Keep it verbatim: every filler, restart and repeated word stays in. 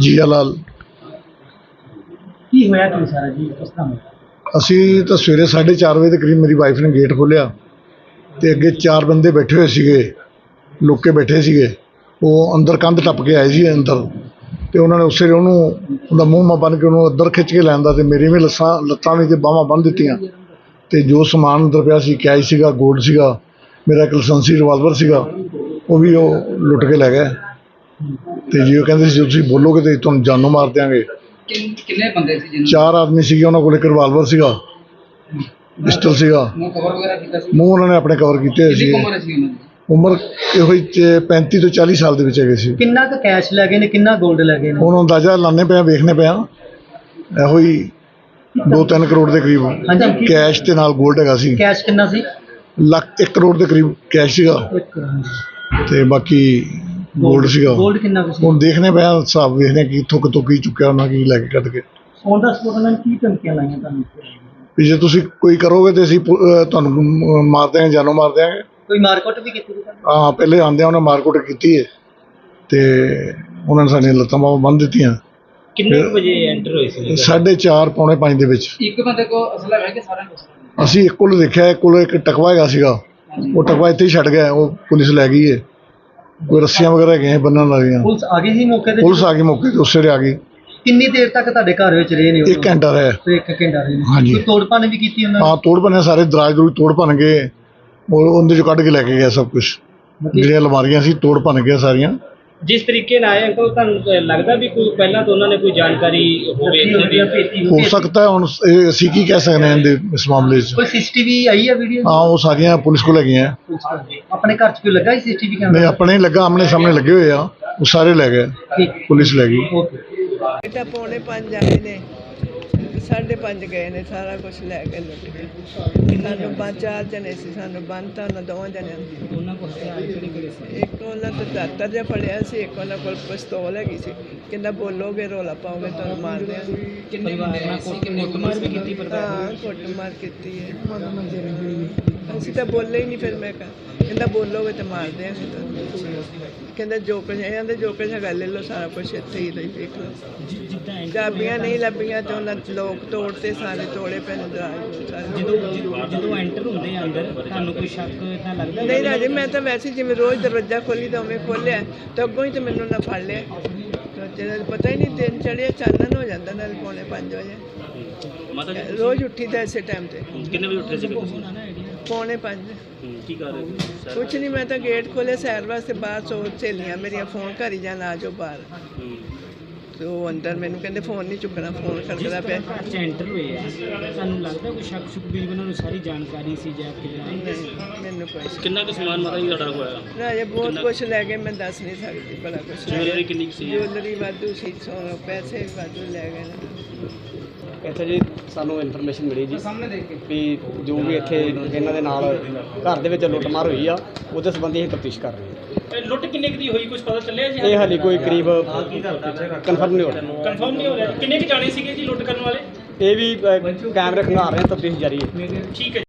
ਜੀਆ ਲਾਲ। ਕੀ ਹੋਇਆ ਕੀ ਸਾਰਾ ਜੀ, ਕਿਸ ਤਰ੍ਹਾਂ ਹੋਇਆ? ਅਸੀਂ ਤਾਂ ਸਵੇਰੇ ਸਾਢੇ ਚਾਰ ਵਜੇ ਦੇ ਕਰੀਬ ਮੇਰੀ ਵਾਈਫ ਨੇ ਗੇਟ ਖੋਲ੍ਹਿਆ ਤੇ ਅੱਗੇ ਚਾਰ ਬੰਦੇ ਬੈਠੇ ਹੋਏ ਸੀਗੇ, ਲੁੱਕ ਕੇ ਬੈਠੇ ਸੀਗੇ। ਉਹ ਅੰਦਰ ਕੰਧ ਟੱਪ ਕੇ ਆਏ ਸੀ ਅੰਦਰ, ਤੇ ਉਹਨਾਂ ਨੇ ਉਸੇ ਵੇਲੇ ਉਹਨੂੰ ਉਹਦਾ ਮੂੰਹ ਮਾ ਬੰਨ੍ਹ ਕੇ ਉਹਨੂੰ ਅੰਦਰ ਖਿੱਚ ਕੇ ਲੈਂਦਾ ਤੇ ਮੇਰੀ ਵੀ ਲੱਸਾਂ ਲੱਤਾਂ ਵੀ ਤੇ ਬਾਹਾਂ ਬੰਨ੍ਹ ਦਿੱਤੀਆਂ। ਤੇ ਜੋ ਸਮਾਨ ਅੰਦਰ ਪਿਆ ਸੀ, ਕੈਸ਼ ਸੀਗਾ, ਗੋਲਡ ਸੀਗਾ, ਮੇਰਾ ਇੱਕ ਲਾਇਸੈਂਸੀ ਰਿਵਾਲਵਰ ਸੀਗਾ, ਉਹ ਵੀ ਉਹ ਲੁੱਟ ਕੇ ਲੈ ਗਏ। ਤੇ ਜੀ ਉਹ ਕਹਿੰਦੇ ਸੀ ਤੁਸੀਂ ਬੋਲੋਗੇ ਤੇ ਤੁਹਾਨੂੰ ਜਾਨੋਂ ਮਾਰ ਦਿਆਂਗੇ। ਕਿੰਨੇ ਬੰਦੇ ਸੀ ਜਿਹਨਾਂ ਚਾਰ ਆਦਮੀ ਸੀਗੇ, ਉਹਨਾਂ ਕੋਲ ਇੱਕ ਰਿਵਾਲਵਰ ਸੀਗਾ, ਪਿਸਟਲ ਸੀਗਾ। ਨੂੰ ਕਵਰ ਵਗੈਰਾ ਕੀਤਾ ਸੀ? ਮੂੰਹ ਉਹਨਾਂ ਨੇ ਆਪਣੇ ਕਵਰ ਕੀਤੇ ਹੋਏ ਸੀ। ਕਿੰਨੀ ਉਮਰ ਸੀ ਉਹਨਾਂ ਦੀ? ਉਮਰ ਇਹੋ ਹੀ ਪੈਂਤੀ ਤੋਂ ਚਾਲੀ ਸਾਲ ਦੇ ਵਿੱਚ ਹੈਗੇ ਸੀ। ਕਿੰਨਾ ਕੁ ਕੈਸ਼ ਲੈ ਗਏ ਨੇ, ਕਿੰਨਾ 골ਡ ਲੈ ਗਏ ਨੇ? ਹੁਣ ਅੰਦਾਜ਼ਾ ਲਾਣੇ ਪਿਆ, ਵੇਖਣੇ ਪਿਆ, ਇਹੋ ਹੀ ਦੋ ਤਿੰਨ ਕਰੋੜ ਦੇ ਕਰੀਬ ਹਾਂਜੀ। ਕੈਸ਼ ਤੇ ਨਾਲ 골ਡ ਹੈਗਾ ਸੀ। ਕੈਸ਼ ਕਿੰਨਾ ਸੀ? ਲੱਖ ਇੱਕ ਕਰੋੜ ਦੇ ਕਰੀਬ ਕੈਸ਼ ਸੀਗਾ ਤੇ ਬਾਕੀ 골ਡ ਸੀਗਾ। 골ਡ ਕਿੰਨਾ ਕੁ ਸੀ? ਹੁਣ ਦੇਖਣੇ ਪਿਆ, ਹਿਸਾਬ ਵੇਖਦੇ ਕਿ ਇੱਥੋਂ ਕਿਤੋਂ ਕੀ ਚੁੱਕਿਆ ਉਹਨਾਂ, ਕੀ ਲੈ ਕੇ ਕੱਢ ਕੇ। ਔਨ ਦਾ ਸਪੋਟ ਉਹਨਾਂ ਨੇ ਕੀ ਧਮਕੀਆਂ ਲਾਈਆਂ ਤੁਹਾਨੂੰ? ਵੀ ਜੇ ਤੁਸੀਂ ਕੋਈ ਕਰੋਗੇ ਤੇ ਅਸੀਂ ਪੁ- ਅਹ ਤੁਹਾਨੂੰ ਮਾਰ ਦਿਆਂਗੇ, ਜਾਨੋਂ ਮਾਰ ਦਿਆਂਗੇ। ਕੋਈ ਮਾਰਕੁੱਟ ਵੀ ਕੀਤੀ ਸੀ? ਹਾਂ, ਪਹਿਲੇ ਆਉਂਦਿਆਂ ਉਹਨੇ ਮਾਰਕੁੱਟ ਕੀਤੀ ਹੈ ਤੇ ਉਹਨਾਂ ਨੇ ਸਾਡੀਆਂ ਲੱਤਾਂ ਬਾਹਾਂ ਬੰਨ੍ਹ ਦਿੱਤੀਆਂ। ਕਿੰਨੇ ਵਜੇ ਐਂਟਰ ਹੋਏ ਸੀ? ਸਾਢੇ ਚਾਰ ਪੌਣੇ ਪੰਜ ਦੇ ਵਿੱਚ। ਇੱਕ ਬੰਦੇ ਕੋ ਅਸਲਾ ਹੈ ਕਿ ਸਾਰਿਆਂ ਕੋਲ? ਅਸੀਂ ਇੱਕ ਕੋਲ ਦੇਖਿਆ, ਇੱਕ ਕੋਲ ਇੱਕ ਟਕਵਾ ਹੈਗਾ ਸੀਗਾ, ਉਹ ਟਕਵਾ ਇੱਥੇ ਹੀ ਛੱਡ ਗਿਆ, ਉਹ ਪੁਲਿਸ ਲੈ ਗਈ ਹੈ। ਕੋਈ ਰੱਸੀਆਂ ਵਗੈਰਾ ਹੈਗੀਆਂ ਬੰਨ੍ਹਣ ਵਾਲੀਆਂ। ਪੁਲਿਸ ਆ ਗਈ ਸੀ ਮੌਕੇ ਤੇ? ਪੁਲਿਸ ਆ ਗਈ ਮੌਕੇ ਤੇ, ਉਸੇ ਵੇਲੇ ਆ ਗਈ। ਕਿੰਨੀ ਦੇਰ ਤੱਕ ਤੁਹਾਡੇ ਘਰ ਵਿੱਚ ਰਹੇ ਨੇ ਉਹ? ਇੱਕ ਘੰਟਾ ਰਿਹਾ। ਤੇ ਇੱਕ ਘੰਟਾ ਰਹੇ ਨੇ? ਹਾਂਜੀ। ਕੋਈ ਤੋੜ ਭੰਨ ਵੀ ਕੀਤੀ ਉਹਨਾਂ ਨੇ? ਹਾਂ, ਤੋੜ ਭੰਨਿਆ, ਸਾਰੇ ਦਰਾਜ ਦਰੂਜ ਤੋੜ ਭੰਨ ਗਏ, ਉਹ ਉਹਦੇ ਚੋਂ ਕੱਢ ਕੇ ਲੈ ਕੇ ਗਿਆ ਸਭ ਕੁਝ। ਜਿਹੜੀਆਂ ਅਲਮਾਰੀਆਂ ਸੀ ਤੋੜ ਭੰਨ ਗਿਆ ਸਾਰੀਆਂ। ਜਿਸ ਤਰੀਕੇ ਨਾਲ ਆਏ ਅੰਕਲ, ਤੁਹਾਨੂੰ ਲੱਗਦਾ ਵੀ ਕੋਈ ਪਹਿਲਾਂ ਤੋਂ ਉਹਨਾਂ ਨੇ ਕੋਈ ਜਾਣਕਾਰੀ ਹੋਵੇ ਇਹਨਾਂ ਦੀ? ਹੋ ਸਕਦਾ ਹੈ, ਹੁਣ ਇਹ ਅਸੀਂ ਕੀ ਕਹਿ ਸਕਦੇ ਹਾਂ ਇਹਦੇ ਇਸ ਮਾਮਲੇ 'ਚ। ਕੋਈ ਸੀਸੀਟੀਵੀ ਆਈ ਹੈ ਵੀਡੀਓ? ਹਾਂ, ਉਹ ਸਾਰੀਆਂ ਪੁਲਿਸ ਕੋਲ ਹੈਗੀਆਂ। ਆਪਣੇ ਘਰ 'ਚ ਕੋਈ ਲੱਗਾ ਸੀ ਸੀਸੀਟੀਵੀ ਕੈਮਰਾ? ਨਹੀਂ, ਆਪਣੇ ਹੀ ਲੱਗਾ, ਆਮਣੇ ਸਾਹਮਣੇ ਲੱਗੇ ਹੋਏ ਆ, ਉਹ ਸਾਰੇ ਲੈ ਗਏ, ਠੀਕ, ਪੁਲਿਸ ਲੈ ਗਈ। ਓਕੇ। ਬੇਟਾ ਪੌਣੇ ਪੰਜ ਆਏ ਨੇ, ਸਾਢੇ ਪੰਜ ਗਏ ਨੇ, ਸਾਰਾ ਕੁਝ ਲੈ ਕੇ ਲੁੱਟ ਕੇ। ਸਾਨੂੰ ਪੰਜ ਚਾਰ ਜਣੇ ਸੀ, ਸਾਨੂੰ ਬੰਨ੍ਹਤਾ ਉਹਨਾਂ ਦੋਵਾਂ ਜਣਿਆਂ ਨੂੰ। ਉਹਨਾਂ ਕੋਲ ਹਥਿਆਰ ਕਿਹੜੇ ਕਿਹੜੇ ਸੀ? ਇੱਕ ਉਹਨਾਂ ਤੋਂ ਦਾਤਰ ਜਿਹਾ ਫੜਿਆ ਸੀ, ਇੱਕ ਉਹਨਾਂ ਕੋਲ ਪਿਸਤੌਲ ਹੈਗੀ ਸੀ। ਕਹਿੰਦਾ ਬੋਲੋਗੇ ਰੌਲਾ ਪਾਓਗੇ ਤੁਹਾਨੂੰ ਮਾਰ ਦਿਆਂਗੇ। ਕਿੰਨੇ ਬੰਦੇ ਆਏ ਸੀ? ਕਿੰਨੇ ਕੁਮਾਰ ਵੀ ਕੀਤੀ ਪਰਿਵਾਰ ਹਾਂ, ਕੁੱਟਮਾਰ ਕੀਤੀ ਹੈ। ਅਸੀਂ ਤਾਂ ਬੋਲੇ ਹੀ ਨਹੀਂ, ਫਿਰ ਮੈਂ ਕਿਹਾ ਕਹਿੰਦਾ ਬੋਲੋਗੇ ਤਾਂ ਮਾਰ ਦਿਆਂਗੇ ਤੁਹਾਨੂੰ। ਕਹਿੰਦਾ ਜੋ ਕੁਝ ਇਹਨਾਂ ਦੇ ਜੋ ਕੁਝ ਹੈਗਾ ਲੈ ਲਓ, ਸਾਰਾ ਕੁਝ ਇੱਥੇ ਹੀ ਲਈ ਦੇਖ ਲਓ। ਚਾਬੀਆਂ ਨਹੀਂ ਲੱਭੀਆਂ ਤੇ ਉਹਨਾਂ ਲੋਕ ਤੋੜਤੇ, ਸਾਰੇ ਤੋੜੇ ਪਏ ਨੇ ਦਰਾਜ ਸਾਰੇ। ਜਦੋਂ ਜਦੋਂ ਐਂਟਰ ਹੁੰਦੇ ਆ ਅੰਦਰ, ਤੁਹਾਨੂੰ ਕੋਈ ਸ਼ੱਕ ਇਦਾਂ ਲੱਗਦਾ? ਨਹੀਂ ਰਾਜੇ, ਮੈਂ ਤਾਂ ਵੈਸੇ ਜਿਵੇਂ ਰੋਜ਼ ਦਰਵਾਜ਼ਾ ਖੋਲੀ ਤਾਂ ਉਵੇਂ ਖੋਲ੍ਹਿਆ, ਤਾਂ ਅੱਗੋਂ ਹੀ ਤਾਂ ਮੈਨੂੰ ਨਾ ਫੜ ਲਿਆ। ਜਿਹੜਾ ਪਤਾ ਹੀ ਨਹੀਂ, ਦਿਨ ਚੜ੍ਹਿਆ, ਚਾਨਣ ਹੋ ਜਾਂਦਾ ਨਾਲ ਪੌਣੇ ਪੰਜ ਵਜੇ। ਰੋਜ਼ ਉੱਠੀ ਦਾ ਇਸੇ ਟਾਈਮ ਤੇ। ਕਿੰਨੇ ਵਜੇ ਉੱਠੇ ਸੀ ਤੁਸੀਂ? ਪੌਣੇ ਪੰਜ। ਕੀ ਕਰ ਰਹੇ ਸੀ? ਕੁਛ ਨਹੀਂ, ਮੈਂ ਤਾਂ ਗੇਟ ਖੋਲ੍ਹਿਆ ਸੈਰ ਵਾਸਤੇ, ਬਾਹਰ ਸੋ ਸਹੇਲੀਆਂ ਮੇਰੀਆਂ ਫੋਨ ਕਰੀ ਜਾਣ ਆ ਜਾਓ ਬਾਹਰ। ਤੇ ਉਹ ਅੰਦਰ ਮੈਨੂੰ ਕਹਿੰਦੇ ਫੋਨ ਨਹੀਂ ਚੁੱਕਣਾ, ਫੋਨ ਕਰਦਾ ਪਿਆ। ਘਰ 'ਚ ਐਂਟਰ ਹੋਏ ਆ, ਤੁਹਾਨੂੰ ਲੱਗਦਾ ਕੋਈ ਸ਼ੱਕ ਸ਼ੁਕ ਵੀ ਉਹਨਾਂ ਨੂੰ ਸਾਰੀ ਜਾਣਕਾਰੀ ਸੀ ਜਾਂ ਕਿੱਦਾਂ? ਨਹੀਂ, ਮੈਨੂੰ ਕੋਈ ਸ਼ੱਕ ਕਿੰਨਾ ਕੁ ਸਮਾਨ ਮਾਤਾ ਜੀ ਤੁਹਾਡਾ ਹੋਇਆ? ਨਹੀਂ। ਰਾਜੇ ਬਹੁਤ ਕੁਛ ਲੈ ਗਏ, ਮੈਂ ਦੱਸ ਨਹੀਂ ਸਕਦੀ ਬੜਾ ਕੁਛ ਲੈ ਜੁਐਲਰੀ ਗਏ। ਕਿੰਨੀ ਕੁ ਸੀ? ਜੁਐਲਰੀ ਵਾਧੂ ਸੀ, ਸੋਨਾ ਪੈਸੇ ਵੀ ਵਾਧੂ ਲੈ ਗਏ ਨੇ। ਇੱਥੇ ਜੀ ਸਾਨੂੰ ਇਨਫੋਰਮੇਸ਼ਨ ਮਿਲੀ ਜੀ ਸਾਹਮਣੇ ਦੇਖ ਕੇ ਵੀ ਜੋ ਵੀ ਇੱਥੇ ਇਹਨਾਂ ਦੇ ਨਾਲ ਘਰ ਦੇ ਵਿੱਚ ਲੁੱਟਮਾਰ ਹੋਈ ਆ, ਉਹਦੇ ਸੰਬੰਧੀ ਅਸੀਂ ਤਫਤੀਸ਼ ਕਰ ਰਹੇ ਹਾਂ। ਲੁੱਟ ਕਿੰਨੇ ਕੁ ਦੀ ਹੋਈ, ਕੁਝ ਪਤਾ ਚੱਲਿਆ ਜੀ? ਇਹ ਹਾਲੇ ਕੋਈ ਕਰੀਬ ਕਨਫਰਮ ਨਹੀਂ ਹੋ ਰਿਹਾ। ਕਨਫਰਮ ਨਹੀਂ ਹੋ ਰਿਹਾ। ਕਿੰਨੇ ਕੁ ਜਾਣੇ ਸੀਗੇ ਜੀ ਲੁੱਟ ਕਰਨ ਵਾਲੇ? ਇਹ ਵੀ ਅ, ਕੈਮਰੇ ਖੰਗਾਰ ਰਹੇ ਹਾਂ, ਤਫਤੀਸ਼ ਜਾਰੀ ਹੈ। ਠੀਕ ਹੈ।